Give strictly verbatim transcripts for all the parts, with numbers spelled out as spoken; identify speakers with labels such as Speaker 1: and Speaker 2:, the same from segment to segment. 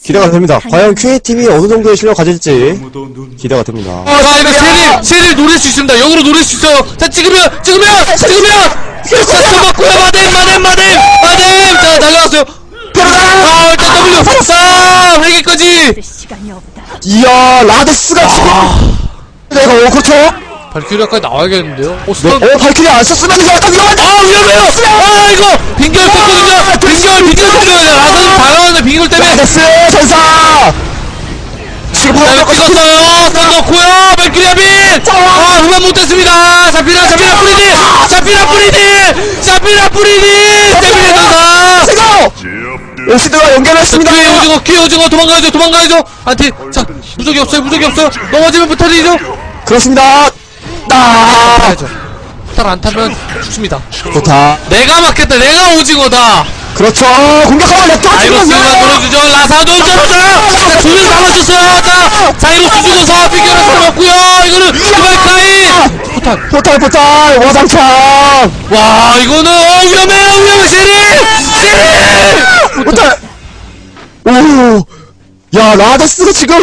Speaker 1: 기대가 됩니다. 과연 큐에이팀이 어느 정도의 실력 가질지 기대가 됩니다.
Speaker 2: 아, 자, 이거 세릴, 세릴 노릴 수 있습니다. 역으로 노릴 수 있어요. 자, 찍으면, 찍으면, 찍으면! 자, 잡았고요. 마뎀, 마뎀, 마뎀! 마뎀! 자, 날라왔어요. 아, 일단 W! 쌈! 회계까지!
Speaker 1: 이야, 라데스가 지금! 내가, 어, 그렇죠?
Speaker 2: 발키리아까지 나와야겠는데요? 어,
Speaker 1: 네,
Speaker 2: 스턴.
Speaker 1: 어, 발키리 안 썼으면 이거 약간 위험한데!
Speaker 2: 아, 위험해요! 아, 이거! 빙결 뺐거든요! 빙결, 빙결 뺐거든요! 라사는 당황하는데 빙결 때문에!
Speaker 1: 라데스 전사! 지금
Speaker 2: 자,
Speaker 1: 바로
Speaker 2: 이거 찍었어요! 스턴 넣고요! 발키리아 빈! 아, 후반 못했습니다! 자피라, 자피라 뿌리디! 자피라 뿌리디! 자피라 뿌리디! 데빌의 전사!
Speaker 1: 지금! 오시드가 연결했습니다!
Speaker 2: 퀴 오징어, 퀴 오징어, 도망가야죠, 도망가야죠! 안티, 자, 무적이 없어요, 무적이 없어요! 넘어지면 부터지죠?
Speaker 1: 그렇습니다! 나
Speaker 2: 타야죠. 스타를 안 타면 죽습니다.
Speaker 1: 좋다.
Speaker 2: 내가 맞겠다, 내가 오징어다!
Speaker 1: 그렇죠! 공격하면 렉터
Speaker 2: 자이로스가 노려주죠. 라사도 쩔어져요. 자, 두 명 남아줬어요. 자, 자이로스 죽어서 피겨를 살았고요. 이거는 이발카이. 포탄.
Speaker 1: 포탈, 포탈! 와장창!
Speaker 2: 와, 이거는 어 위험해요, 위험해. 세리, 세리.
Speaker 1: 포탈! 오! 야, 라데스가 지금!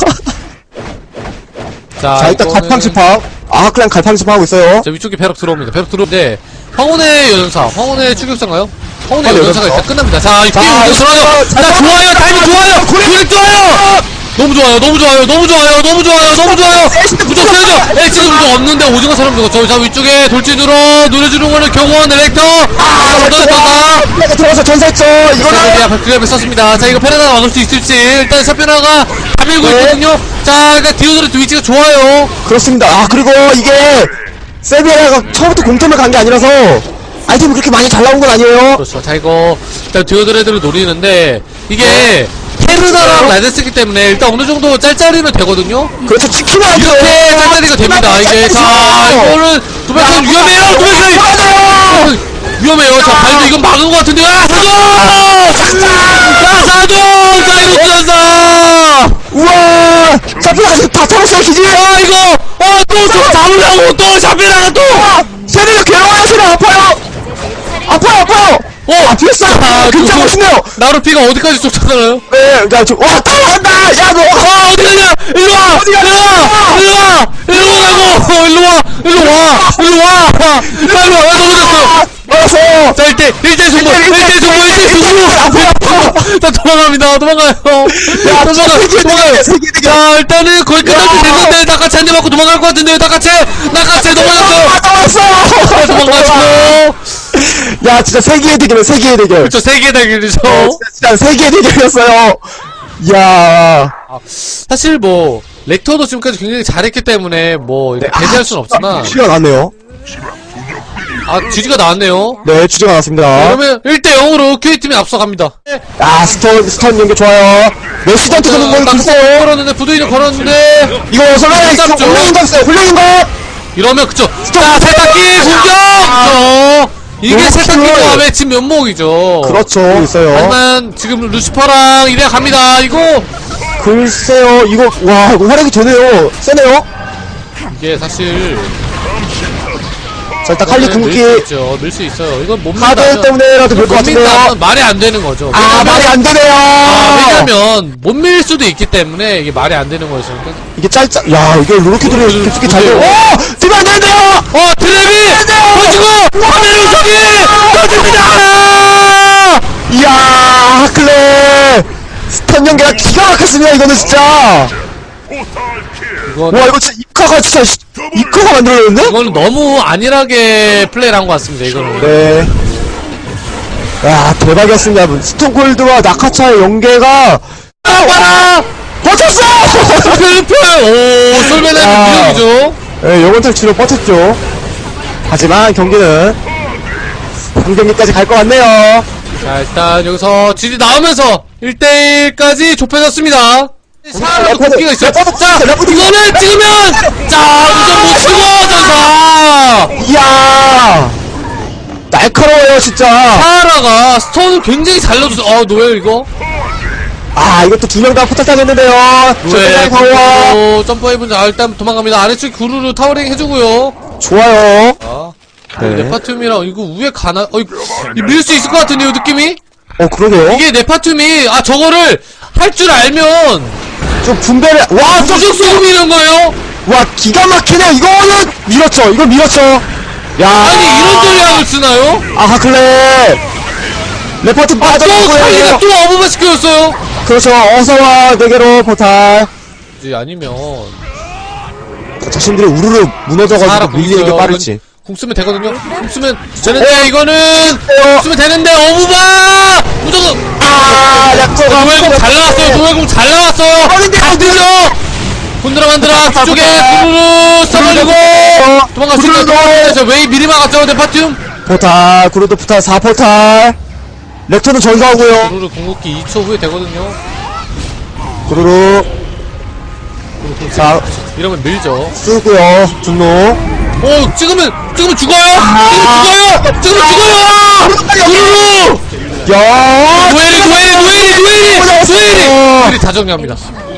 Speaker 2: 자,
Speaker 1: 자, 일단
Speaker 2: 이거는-
Speaker 1: 갈팡집합. 아, 그냥 갈팡집합하고 있어요.
Speaker 2: 자, 위쪽에 벼락 들어옵니다. 벼락 들어오는데 황혼의 여전사, 황혼의 추격사인가요? 황혼의
Speaker 1: 아,
Speaker 2: 여전사가
Speaker 1: 여전사.
Speaker 2: 일단 끝납니다. 자, 이
Speaker 1: 자,
Speaker 2: 게임 들어가요.
Speaker 1: 자,
Speaker 2: 자, 좋아요, 타이밍 좋아요, 구획 좋아요. 너무 좋아요, 너무 좋아요, 너무 좋아요, 너무 좋아요, 너무 좋아요. 무적 세죠. 네, 지금 무적 없는데 오징어처럼 죽었죠. 자, 위쪽에 돌진으로 노려주는 거는 경호원 엘렉터. 아, 얻어냈다.
Speaker 1: 내가 들어가서 전사했죠. 이거는
Speaker 2: 이거는 발크리압을 썼습니다. 자, 이거 페라다가 막을 수 있을지. 일단 샤페나가 다 밀고
Speaker 1: 네.
Speaker 2: 있거든요. 자, 그러니까 디오드레트 위치가 좋아요.
Speaker 1: 그렇습니다. 아, 그리고 이게 세비야가 처음부터 공템을 간 게 아니라서 아이템이 그렇게 많이 잘 나온 건 아니에요.
Speaker 2: 그렇죠. 자, 이거 일단 디오드레드를 노리는데 이게 테르나랑 라데스기 때문에 일단 어느 정도 짤짤이면 되거든요.
Speaker 1: 그렇죠. 치킨은 안 돼요.
Speaker 2: 이렇게 짤짤이가 됩니다. 이게 자, 이거는 도백선 위험해요. 도백선 위험해요. 자, 발도 이건 막은 것 같은데. 아, 사도! 야, 사도! 자이로스 전사!
Speaker 1: 우와! 샤피라가 다 털었어요, 기지!
Speaker 2: 아, 이거! 어, 또, 또 잡으려고 또 샤페나가 또!
Speaker 1: 세비야 괴로워요, 세비야 아파요! 아파요, 아파요!
Speaker 2: 어!
Speaker 1: 아, 피했어요!
Speaker 2: 아,
Speaker 1: 굉장히
Speaker 2: 그거-
Speaker 1: 멋있네요!
Speaker 2: 나루피가 어디까지 쫓아가나요?
Speaker 1: 네, 야, 저, 와, 따라간다! 야, 너!
Speaker 2: 아, 어디 가냐! 일로 와!
Speaker 1: 어디 가냐!
Speaker 2: 일로 와! 일로 와! 일로 오라고! 일로 와! 일로 와! 일로 와! 빨리 와! 야, 넘어졌어!
Speaker 1: 알았어!
Speaker 2: 자, 일 대, 일 대 승부! 일 대 승부! 일 대 승부! 자, 도망갑니다. 도망가요.
Speaker 1: 야,
Speaker 2: 도망가,
Speaker 1: 세계
Speaker 2: 도망가요.
Speaker 1: 대결, 세계 대결!
Speaker 2: 자, 일단은 거의 끝날 때 됐는데, 나카체 한 대 맞고 도망갈 것 같은데요, 나카체! 나카체 넘어졌어요!
Speaker 1: 아, 나왔어!
Speaker 2: 도망가시고!
Speaker 1: 야, 진짜 세계의 대결이야, 세계의 대결!
Speaker 2: 그쵸, 세계 대결이죠.
Speaker 1: 어, 진짜, 진짜 세계의 대결이었어요! 이야.
Speaker 2: 사실 뭐, 렉터도 지금까지 굉장히 잘했기 때문에, 뭐, 이렇게 배제할 순 없지만,
Speaker 1: 주제가 나왔네요.
Speaker 2: 아, 지지가 나왔네요.
Speaker 1: 네, 주제가 나왔습니다.
Speaker 2: 그러면 일 대 영으로 큐에이팀이 앞서갑니다.
Speaker 1: 아, 스턴, 스턴 연계 좋아요. 메시던트 드는 건 있어요.
Speaker 2: 걸었는데, 부두이는 걸었는데,
Speaker 1: 이거 설레, 이거
Speaker 2: 잡죠.
Speaker 1: 훌륭한 거 있어요, 훌륭한 거!
Speaker 2: 이러면 그쵸. 자, 세탁기 공격! 그쵸. 이게
Speaker 1: 그렇죠.
Speaker 2: 세탁기 조합의 진 면목이죠.
Speaker 1: 그렇죠, 있어요.
Speaker 2: 하지만 지금 루시퍼랑 이래 갑니다. 이거
Speaker 1: 글쎄요, 이거, 와, 이거 활약이 되네요. 세네요.
Speaker 2: 이게 사실
Speaker 1: 자, 일단 칼리 궁극기.
Speaker 2: 밀수 있죠. 밀 수 있어요. 이건 못
Speaker 1: 카드
Speaker 2: 민다면
Speaker 1: 때문에라도 될 것
Speaker 2: 못
Speaker 1: 같은데요.
Speaker 2: 민다면 말이 안 되는 거죠.
Speaker 1: 아,
Speaker 2: 왜냐면-
Speaker 1: 말이 안 되네요.
Speaker 2: 아, 왜냐면 못 밀 수도 있기 때문에 이게 말이 안 되는 거죠. 그러니까
Speaker 1: 이게 짧짜, 야, 이게 로로키들이
Speaker 2: 그-
Speaker 1: 깊숙이 잘 돼요.
Speaker 2: 그래요.
Speaker 1: 오! 뒤면 안 되는데요!
Speaker 2: 어, 드래비! 터지고! 화면 우석이! 터집니다!
Speaker 1: 이야, 하클레! 스턴 연계가 기가 막혔습니다, 이거는 진짜!
Speaker 2: 이건,
Speaker 1: 와, 이거 진짜 입카가 진짜, 시- 입카가 만들어졌는데?
Speaker 2: 이거는 너무 안일하게 플레이를 한 것 같습니다, 이거는.
Speaker 1: 네. 야, 대박이었습니다. 스톤콜드와 나카차의 연계가,
Speaker 2: 아, 와라!
Speaker 1: 버텼어!
Speaker 2: 펠펠! 오,
Speaker 1: 아.
Speaker 2: 솔베나는 무력이죠?
Speaker 1: 네, 영원 탈취로 버텼죠. 하지만 경기는 삼 경기까지 갈 것 같네요.
Speaker 2: 자, 일단 여기서 지지 나오면서 일 대 일까지 좁혀졌습니다. 사라도
Speaker 1: 레퍼드,
Speaker 2: 국기가 있어요.
Speaker 1: 레퍼드,
Speaker 2: 자,
Speaker 1: 레퍼드.
Speaker 2: 이거는 찍으면! 자, 우선 못 치고, 전사!
Speaker 1: 이야! 날카로워요, 진짜.
Speaker 2: 사라가 스톤을 굉장히 잘 넣어줬어. 어, 노예요, 이거?
Speaker 1: 아, 이것도 두 명 다 포탈 당했는데요.
Speaker 2: 왜,
Speaker 1: 저 파워.
Speaker 2: 구르르 점프해본 자, 일단 도망갑니다. 아래쪽 구르르 타워링 해주고요.
Speaker 1: 좋아요.
Speaker 2: 아,
Speaker 1: 네.
Speaker 2: 네파툼이랑, 이거 위에 가나, 어, 이거 밀 수 있을 것 같은데요, 느낌이?
Speaker 1: 어, 그러게요.
Speaker 2: 이게 네파툼이, 아, 저거를, 할 줄 알면
Speaker 1: 좀 분배를 와 좀-
Speaker 2: 무적 소금 이런 거예요?
Speaker 1: 와 기가 막히네. 이거는 밀었죠. 이거 밀었죠. 야
Speaker 2: 아니 이런 전략을 쓰나요?
Speaker 1: 아하 클랩 레퍼트
Speaker 2: 아, 또 칼리가
Speaker 1: 빠져나고요.
Speaker 2: 또 어부바 시켜줬어요?
Speaker 1: 그렇죠. 어서와 내게로 포탈.
Speaker 2: 이제 아니면
Speaker 1: 자신들이 우르르 무너져가지고
Speaker 2: 사람
Speaker 1: 밀리는 게 빠르지.
Speaker 2: 궁 쓰면 되거든요? 궁 쓰면 되는데 이거는 궁 쓰면 되는데 어부바! 무조건
Speaker 1: 아 약간
Speaker 2: 노엘궁 잘 나왔어요. 노엘궁 잘 나왔어요. 잘 들려. 혼드라 만드라 뒤쪽에 구르르 써버리고 도망갈 수 있는 도망가서 웨이 미리 막았죠. 네파툼
Speaker 1: 포탈 구르드 포탈 사 포탈. 렉터는 전사하고요.
Speaker 2: 구르르 궁극기 이 초 후에 되거든요.
Speaker 1: 구르르 자
Speaker 2: 이러면 밀죠.
Speaker 1: 쓰고요. 분노.
Speaker 2: 오 찍으면 찍으면 죽어요.
Speaker 1: 아.
Speaker 2: 찍으면 죽어요. 찍으면 죽어요. 구르르
Speaker 1: 야
Speaker 2: 노엘이 노엘이 노엘이 노엘이 노엘이 노엘이 다 정리합니다.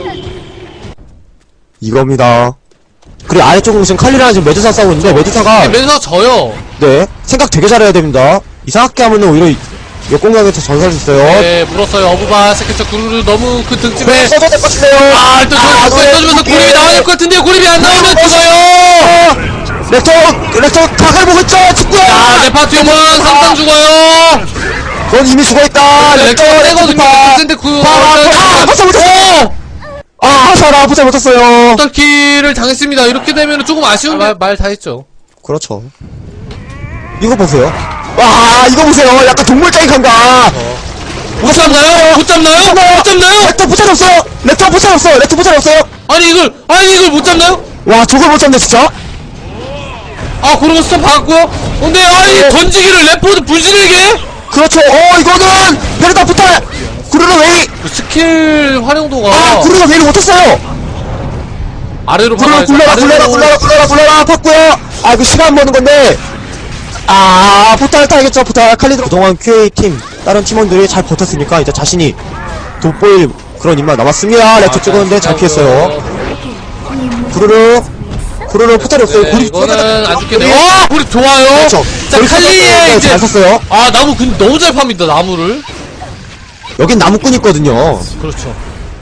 Speaker 1: 이겁니다. 그리고 아래쪽은 지금 칼리랑 지금 메두사 싸우고 있는데 메두사가
Speaker 2: 면서 져요.
Speaker 1: 네 생각 되게 잘해야 됩니다. 이상하게 하면은 오히려 역공격에서 전사할 수 있어요.
Speaker 2: 네 물었어요. 어부바 세계적 구르르 너무 그 등집에
Speaker 1: 써도 될 것 같은데요.
Speaker 2: 아 일단
Speaker 1: 아,
Speaker 2: 저
Speaker 1: 노엘
Speaker 2: 써주면서
Speaker 1: 궁극기.
Speaker 2: 고립이 나와야 될 것 같은데 고립이 안 나오면 죽어요.
Speaker 1: 어, 렉터 렉터 각을 보고 있죠. 축구야.
Speaker 2: 아 네파툼은 삼상 죽어요.
Speaker 1: 넌 이미 죽어있다.
Speaker 2: 렉터 세거든요. 근데 그
Speaker 1: 아 포탈 못했어. 아 하사라 포탈 못했어요.
Speaker 2: 포탈키를 당했습니다. 이렇게 되면 조금 아쉬운 말 다 했죠.
Speaker 1: 그렇죠. 이거 보세요. 와 이거 보세요. 약간 동물적인 감각.
Speaker 2: 못 잡나요? 못 잡나요? 못 잡나요?
Speaker 1: 렉터 포탈 없어요. 렉터 포탈 없어요. 렉터 포탈 없어요.
Speaker 2: 아니 이걸 아니 이걸 못 잡나요?
Speaker 1: 와 저걸 못 잡네 진짜.
Speaker 2: 아 그러고 스톱 받았고요. 근데 아니 던지기를 레포드 분신에게
Speaker 1: 그렇죠. 어 이거는 베르다 포탈. 구르르 웨이.
Speaker 2: 그 스킬 활용도가
Speaker 1: 아 구르르 웨이를 못했어요.
Speaker 2: 아래로
Speaker 1: 굴러라
Speaker 2: 박아야죠.
Speaker 1: 굴러라 굴러라
Speaker 2: 아래로.
Speaker 1: 굴러라 굴러라 굴러라 팠고요. 아 그 시간 버는 건데 아 포탈 타야겠죠. 포탈 칼리드 그동안 큐에이 팀 다른 팀원들이 잘 버텼으니까 이제 자신이 돋보일 그런 입맛 남았습니다. 렉터
Speaker 2: 아,
Speaker 1: 찍었는데 잘 피했어요. 구르르 구르르 포탈이 없어요.
Speaker 2: 네,
Speaker 1: 구리
Speaker 2: 이거는 안 죽게
Speaker 1: 구리-
Speaker 2: 돼요. 어! 우리 좋아요.
Speaker 1: 그렇죠.
Speaker 2: 자
Speaker 1: 구리
Speaker 2: 칼리에
Speaker 1: 네,
Speaker 2: 이제
Speaker 1: 잘 썼어요.
Speaker 2: 아 나무 근데 너무 잘 팝니다 나무를.
Speaker 1: 여긴 나무꾼 있거든요.
Speaker 2: 그렇죠.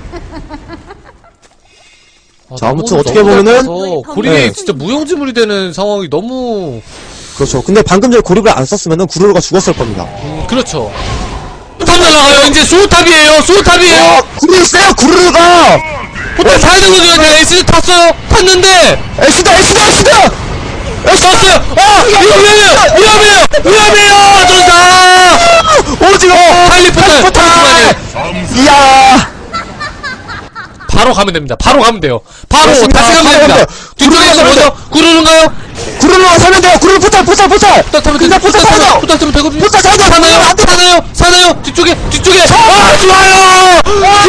Speaker 2: 아,
Speaker 1: 자, 아무튼
Speaker 2: 나무를
Speaker 1: 어떻게
Speaker 2: 너무 잘
Speaker 1: 보면은-
Speaker 2: 파서 고립이
Speaker 1: 네.
Speaker 2: 진짜 무용지물이 되는 상황이 너무
Speaker 1: 그렇죠. 근데 방금 전에 고립을 안 썼으면은 구르르가 죽었을 겁니다.
Speaker 2: 음, 그렇죠. 포탑 날아가요. 이제 소탑이에요. 소탑이에요.
Speaker 1: 어, 구르르 세요. 구르르가
Speaker 2: 포탑 타야 되거든요. 내가 에스 탔어요. 탔는데
Speaker 1: 에스다 에스다 에스다.
Speaker 2: 탔어요. 아 이거 위험해요. 위험해요. 위험해요. 전사.
Speaker 1: 오징어
Speaker 2: 칼리 포탈.
Speaker 1: 포탈. 이야.
Speaker 2: 바로 가면 됩니다. 바로 가면 돼요. 바로
Speaker 1: 그렇습니다.
Speaker 2: 다시 가면
Speaker 1: 바로
Speaker 2: 됩니다.
Speaker 1: 가면
Speaker 2: 뒤쪽에서
Speaker 1: 돼요.
Speaker 2: 먼저 구르는가요?
Speaker 1: 구르르가 살면 돼요. 구르르 포탈 포탈 포탈.
Speaker 2: 포탈 타면
Speaker 1: 근데
Speaker 2: 되죠.
Speaker 1: 포탈
Speaker 2: 포탈 타면
Speaker 1: 살려.
Speaker 2: 포탈 타면 되거든요.
Speaker 1: 포탈 살려.
Speaker 2: 사나요?
Speaker 1: 안 돼.
Speaker 2: 사나요? 사나요? 뒤쪽에 뒤쪽에. 아 좋아요.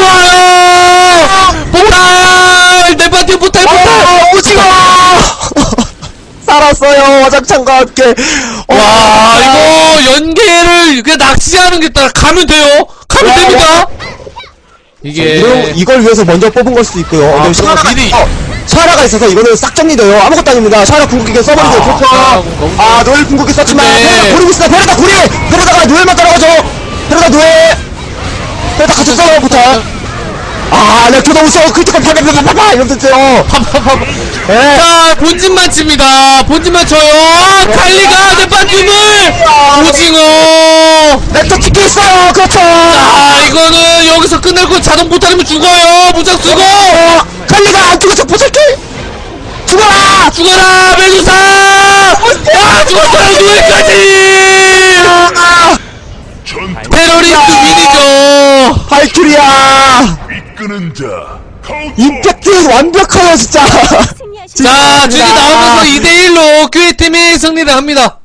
Speaker 2: 좋아요. 포탈. 내 파티 포탈 포탈.
Speaker 1: 아, 오징어. 살았어요. 와장창과 함께.
Speaker 2: 와 이거 연계를 그냥 낚시하는 게 따라 가면 돼요. 가면
Speaker 1: 와,
Speaker 2: 됩니다. 이게
Speaker 1: 이걸, 이걸 위해서 먼저 뽑은 걸 수도 있고요.
Speaker 2: 아,
Speaker 1: 근데
Speaker 2: 그러나
Speaker 1: 샤라가,
Speaker 2: 미리.
Speaker 1: 어, 샤라가 있어서 이거는 싹 정리돼요. 아무것도 아닙니다. 샤라 궁극기 써버리세요.
Speaker 2: 아,
Speaker 1: 그렇죠.
Speaker 2: 샤라 궁 너무
Speaker 1: 아, 노엘 궁극기 썼지만,
Speaker 2: 근데-
Speaker 1: 베르다 고리고 있습니다. 베르다 고리! 베르다가 노엘만 따라가죠. 베르다 노엘! 베르다 같이 싸워요, 부터. 아, 렉터 너무 써. 크리티컬 파파파파파! 이러면 됐어요.
Speaker 2: 팝팝팝.
Speaker 1: 예.
Speaker 2: 자 본진만 칩니다. 본진만 쳐요. 칼리가 내 파티물 오징어.
Speaker 1: 렉터 찍혀 있어요. 그렇죠.
Speaker 2: 아 이거는 여기서 끝날 거 자동 포탈이면 죽어요. 무장 쓰고
Speaker 1: 어, 칼리가 안 죽어서 보살게! 죽어라!
Speaker 2: 죽어라 메두사. 아 죽었어요 누구까지.
Speaker 1: 아,
Speaker 2: 테러리스트 윈이죠.
Speaker 1: 발큐리야!
Speaker 3: 이끄는 자 카운터
Speaker 1: 임팩트 완벽하여, 진짜!
Speaker 2: 자 지금 나오면서 이 대 일로 큐에이팀이 승리를 합니다.